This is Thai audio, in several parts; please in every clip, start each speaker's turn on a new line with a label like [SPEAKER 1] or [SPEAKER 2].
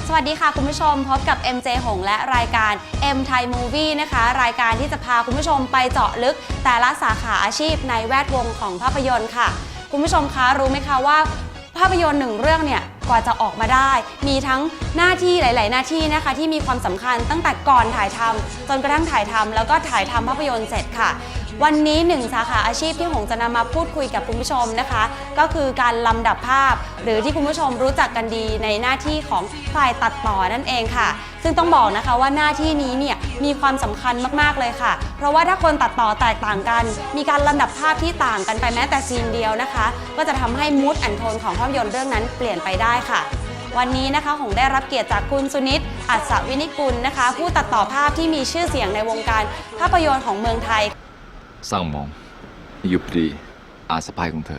[SPEAKER 1] สวัสดีค่ะคุณผู้ชมพบกับ MJ หงและรายการ M Thai Movie นะคะรายการที่จะพาคุณผู้ชมไปเจาะลึกแต่ละสาขาอาชีพในแวดวงของภาพยนตร์ค่ะคุณผู้ชมคะรู้ไหมคะว่าภาพยนตร์หนึ่งเรื่องเนี่ยกว่าจะออกมาได้มีทั้งหน้าที่หลายๆหน้าที่นะคะที่มีความสำคัญตั้งแต่ก่อนถ่ายทำจนกระทั่งถ่ายทำแล้วก็ถ่ายทำภาพยนตร์เสร็จค่ะวันนี้หนึ่งสาขาอาชีพที่หงจะนำมาพูดคุยกับคุณผู้ชมนะคะก็คือการลำดับภาพหรือที่คุณผู้ชมรู้จักกันดีในหน้าที่ของฝ่ายตัดต่อนั่นเองค่ะซึ่งต้องบอกนะคะว่าหน้าที่นี้เนี่ยมีความสำคัญมากๆเลยค่ะเพราะว่าถ้าคนตัดต่อแตกต่างกันมีการลำดับภาพที่ต่างกันไปแม้แต่ซีนเดียวนะคะก็จะทำให้มูดแอนด์โทนของภาพยนตร์เรื่องนั้นเปลี่ยนไปได้ค่ะวันนี้นะคะหงได้รับเกียรติจากคุณสุนิต อัศวินิกุลนะคะผู้ตัดต่อภาพที่มีชื่อเสียงในวงการภาพยนตร์ของเมืองไทย
[SPEAKER 2] สร้างมองยุบดีอาสะพายของเธอ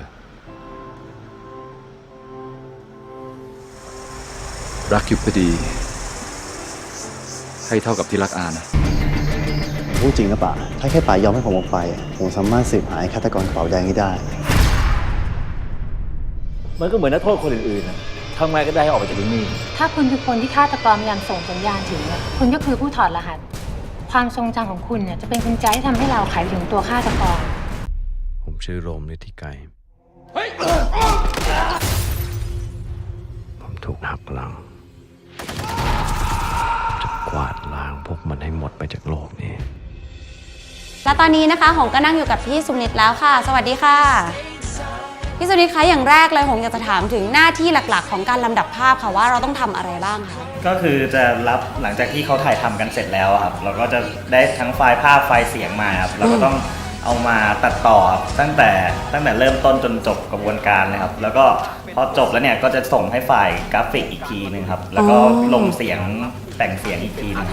[SPEAKER 2] รักยุบดีให้เท่ากับที่รักอานะ
[SPEAKER 3] พูดจริงนะป่าถ้าแค่ป่ายอมให้ผมออกไปผมสามารถสืบหาฆาตกรกระเป๋าแดงนี้ได้
[SPEAKER 4] มันก็เหมือนนักโทษคนอื่นๆนะทำไงก็ได้ให้ออกไปจากที่นี่
[SPEAKER 5] ถ้าคุณคือคนที่ฆาตกรพยายามส่งสัญญาณถึงคุณก็คือผู้ถอดรหัสความทรงจำของคุณเนี่ยจะเป็นกุญแจที่ทำให้เราไขถึงตัวฆาตกร
[SPEAKER 6] ผมชื่อโรมฤทธิไกรผมถูกหักหลังจะกวาดล้างพวกมันให้หมดไปจากโลกนี้
[SPEAKER 1] และตอนนี้นะคะหงก็นั่งอยู่กับพี่สุนิตแล้วค่ะสวัสดีค่ะพี่สุนิตคะอย่างแรกเลยหงอยากจะถามถึงหน้าที่หลักๆของการลำดับภาพค่ะว่าเราต้องทำอะไรบ้างคะ
[SPEAKER 7] ก็คือจะรับหลังจากที่เขาถ่ายทำกันเสร็จแล้วครับเราก็จะได้ทั้งไฟล์ภาพไฟล์เสียงมาครับเราก็ต้องเอามาตัดต่อตั้งแต่เริ่มต้นจนจบกระบวนการเลยครับแล้วก็พอจบแล้วเนี่ยก็จะส่งให้ฝ่ายกราฟิกอีกทีนึงครับแล้วก็ลงเสียงแต่งเสียงอีกทีนึง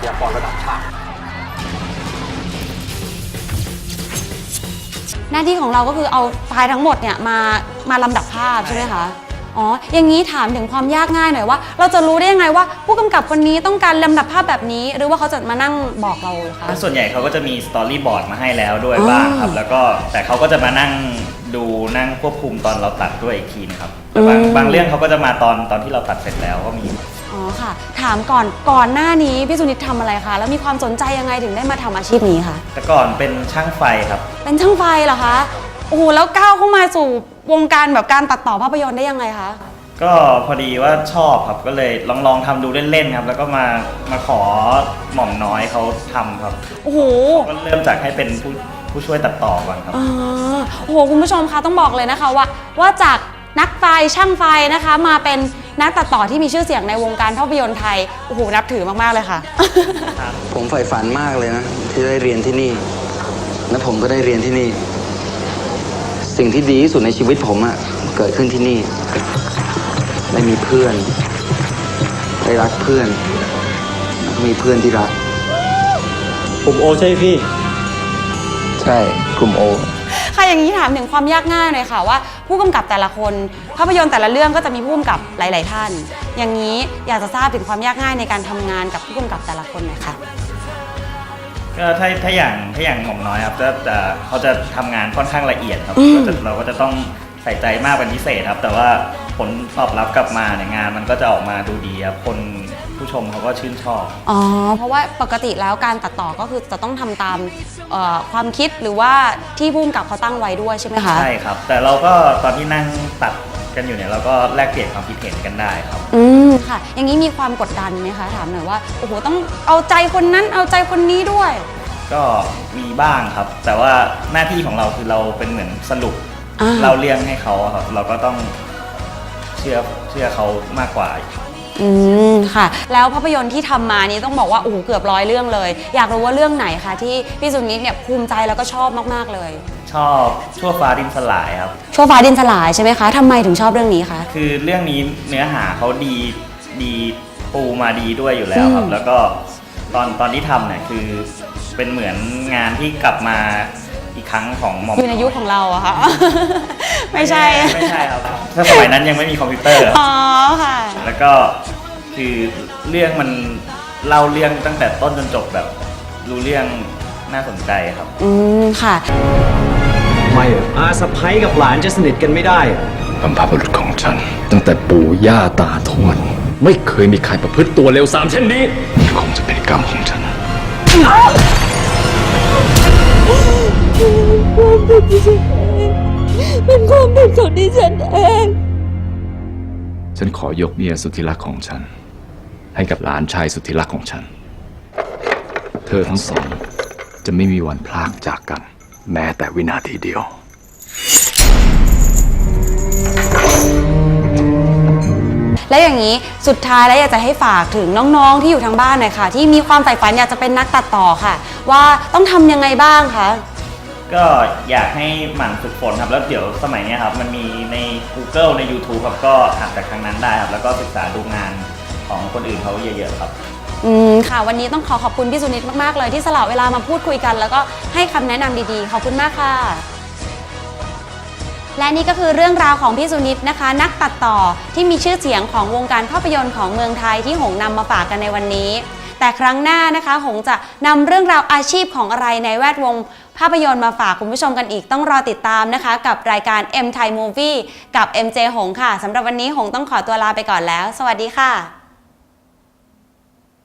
[SPEAKER 1] หน้าที่ของเราก็คือเอาไฟล์ทั้งหมดเนี่ยมาลำดับภาพใช่ไหมคะอ๋ออย่างนี้ถามถึงความยากง่ายหน่อยว่าเราจะรู้ได้ยังไงว่าผู้กำกับคนนี้ต้องการลำดับภาพแบบนี้หรือว่าเขาจะมานั่งบอกเราคะ
[SPEAKER 7] ส่วนใหญ่เขาก็จะมีสตอรี่บอร์ดมาให้แล้วด้วยบ้างครับแล้วก็แต่เขาก็จะมานั่งดูนั่งควบคุมตอนเราตัดด้วยอีกทีนะครับแต่บางเรื่องเขาก็จะมาตอนที่เราตัดเสร็จแล้วก็มี
[SPEAKER 1] อ๋อค่ะถามก่อนหน้านี้พี่สุนิตทำอะไรคะแล้วมีความสนใจยังไงถึงได้มาทำอาชีพนี้คะ
[SPEAKER 7] แต่ก่อนเป็นช่างไฟครับ
[SPEAKER 1] เป็นช่างไฟเหรอคะโอ้โหแล้วก้าวเข้ามาสู่วงการแบบการตัดต่อภาพยนตร์ได้ยังไงคะ
[SPEAKER 7] ก็พอดีว่าชอบครับก็เลยลองทำดูเล่นๆครับแล้วก็มาขอหม่อมน้อยเขาทำครับ
[SPEAKER 1] โอ้โห
[SPEAKER 7] ก็เริ่มจากให้เป็นผู้ช่วยตัดต่อก่อนครับ
[SPEAKER 1] โอ้โหคุณผู้ชมคะต้องบอกเลยนะคะว่าจากนักไฟช่างไฟนะคะมาเป็นนักตัดต่อที่มีชื่อเสียงในวงการภาพยนตร์ไทยโอ้โหนับถือมากๆเลยค่ะ
[SPEAKER 8] ผมใฝ่ฝันมากเลยนะที่ได้เรียนที่นี่และผมก็ได้เรียนที่นี่สิ่งที่ดีที่สุดในชีวิตผมอะเกิดขึ้นที่นี่ได้มีเพื่อนได้รักเพื่อนมีเพื่อนที่รัก
[SPEAKER 4] กลุ่มโอใช่พี่
[SPEAKER 8] ใช่กลุ่มโอ
[SPEAKER 1] ค่ะอย่างนี้ถามถึงความยากง่ายหน่อยค่ะว่าผู้กำกับแต่ละคนภาพยนตร์แต่ละเรื่องก็จะมีผู้กำกับหลายๆท่านอย่างนี้อยากจะทราบถึงความยากง่ายในการทำงานกับผู้กำกับแต่ละคนหน่อยค่ะ
[SPEAKER 7] ก็ถ้าอย่างหม่อมน้อยครับเขาจะทำงานค่อนข้างละเอียดครับเราก็จะต้องใส่ใจมากเป็นพิเศษครับแต่ว่าผลตอบรับกลับมาในงานมันก็จะออกมาดูดีครับคนผู้ชมเขาก็ชื่นชอบ
[SPEAKER 1] อ๋อเพราะว่าปกติแล้วการตัดต่อก็คือจะต้องทำตามความคิดหรือว่าที่ผู้กำกับเขาตั้งไว้ด้วยใช่ไหมคะ
[SPEAKER 7] ใช่ครับแต่เราก็ตอนที่นั่งตัดกันอยู่เนี่ยเราก็แลกเปลี่ยนความคิดเห็นกันได้ครับ
[SPEAKER 1] ค่ะอย่างนี้มีความกดดันไหมคะถามหน่อยว่าโอ้โหต้องเอาใจคนนั้นเอาใจคนนี้ด้วย
[SPEAKER 7] ก็มีบ้างครับแต่ว่าหน้าที่ของเราคือเราเป็นเหมือนสรุปเราเลี้ยงให้เขาครับเราก็ต้องเชื่อเขามากกว่า
[SPEAKER 1] ค่ะแล้วภาพยนตร์ที่ทำมานี้ต้องบอกว่าโอ้โหเกือบ100เรื่องเลยอยากรู้ว่าเรื่องไหนคะที่พี่สุนิตเนี่ยภูมิใจแล้วก็ชอบมากๆเลย
[SPEAKER 7] ชอบชั่วฟ้าดินสลายครับ
[SPEAKER 1] ชั่วฟ้าดินสลายใช่ไหมคะทำไมถึงชอบเรื่องนี้คะ
[SPEAKER 7] คือเรื่องนี้เนื้อหาเขาดีปูมาดีด้วยอยู่แล้วครับแล้วก็ตอนที่ทำเนี่ยคือเป็นเหมือนงานที่กลับมาอีกครั้งของหม่อม
[SPEAKER 1] อยู่ในยุคของเราอะค่ะไม่ใช่
[SPEAKER 7] ครับถ้าสมัยนั้นยังไม่มีคอมพิวเตอร์
[SPEAKER 1] อ๋อค่ะ
[SPEAKER 7] แล้วก็คือเรื่องมันเล่าเรื่องตั้งแต่ต้นจนจบแบบรู้เรื่องน่าสนใจครับ
[SPEAKER 1] ค่ะ
[SPEAKER 4] ไม่อาสะใภ้กับหลานจะสนิทกันไม่ได้
[SPEAKER 2] บรรพบุรุษของฉันตั้งแต่ปู่ย่าตาทวดไม่เคยมีใครประพฤติตัวเลวทรามเช่นนี้คงจะเป็นกรรมของฉัน
[SPEAKER 1] เป็นความผิดของดิฉันเอง
[SPEAKER 2] ฉันขอยกเมียสุดที่รักของฉัน ให้กับหลานชายสุดที่รักของฉัน เธอทั้งสองจะไม่มีวันพลากจากกัน แม้แต่วินาทีเดียว
[SPEAKER 1] และอย่างนี้สุดท้ายแล้วอยากจะให้ฝากถึงน้องๆที่อยู่ทางบ้านหน่อยค่ะ ที่มีความใฝ่ฝันอยากจะเป็นนักตัดต่อค่ะ ว่าต้องทำยังไงบ้างคะ
[SPEAKER 7] ก็อยากให้หมั่นฝึกฝนครับแล้วเดี๋ยวสมัยนี้ครับมันมีใน Google ใน YouTube ครับก็อ่านจากทางนั้นได้ครับแล้วก็ศึกษาดูงานของคนอื่นเขาเยอะๆครับ
[SPEAKER 1] ค่ะวันนี้ต้องขอบคุณพี่สุนิตมากๆเลยที่สละเวลามาพูดคุยกัน แล้วก็ให้คำแนะนำดีๆขอบคุณมากค่ะและนี่ก็คือเรื่องราวของพี่สุนิตนะคะนักตัดต่อที่มีชื่อเสียงของวงการภาพยนตร์ของเมืองไทยที่หงนำมาฝากกันในวันนี้แต่ครั้งหน้านะคะหงจะนำเรื่องราวอาชีพของอะไรในแวดวงภาพยนตร์มาฝากคุณผู้ชมกันอีกต้องรอติดตามนะคะกับรายการ M Thai Movie กับ MJ หงค่ะสำหรับวันนี้หงต้องขอตัวลาไปก่อนแล้วสวัสดีค่ะ